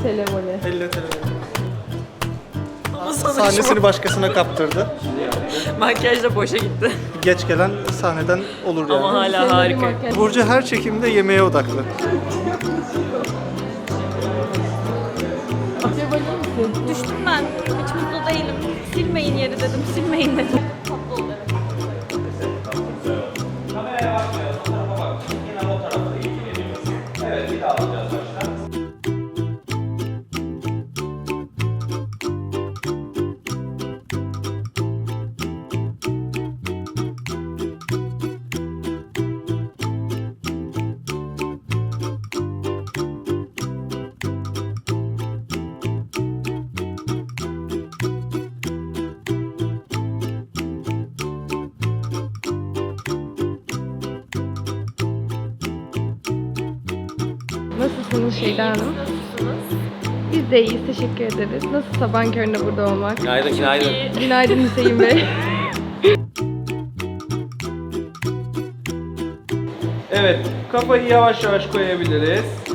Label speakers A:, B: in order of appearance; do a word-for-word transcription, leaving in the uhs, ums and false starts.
A: T L voley.
B: elli T L. Sahnesini başkasına kaptırdı.
C: Makyaj da boşa gitti.
B: Geç gelen sahneden olur yani.
C: Ama hala harika.
B: Burcu her çekimde yemeğe odaklı.
D: Düştüm ben. Hiç mutlu değilim. Silmeyin yeri dedim. Silmeyin dedim. Tatlı oluyor.
A: Nasılsınız Şeyda Hanım? Biz de iyiyiz, teşekkür ederiz. Nasıl sabahın köründe burada olmak?
E: Günaydın, günaydın.
A: Günaydın Hüseyin Bey.
E: Evet, kafayı yavaş yavaş koyabiliriz.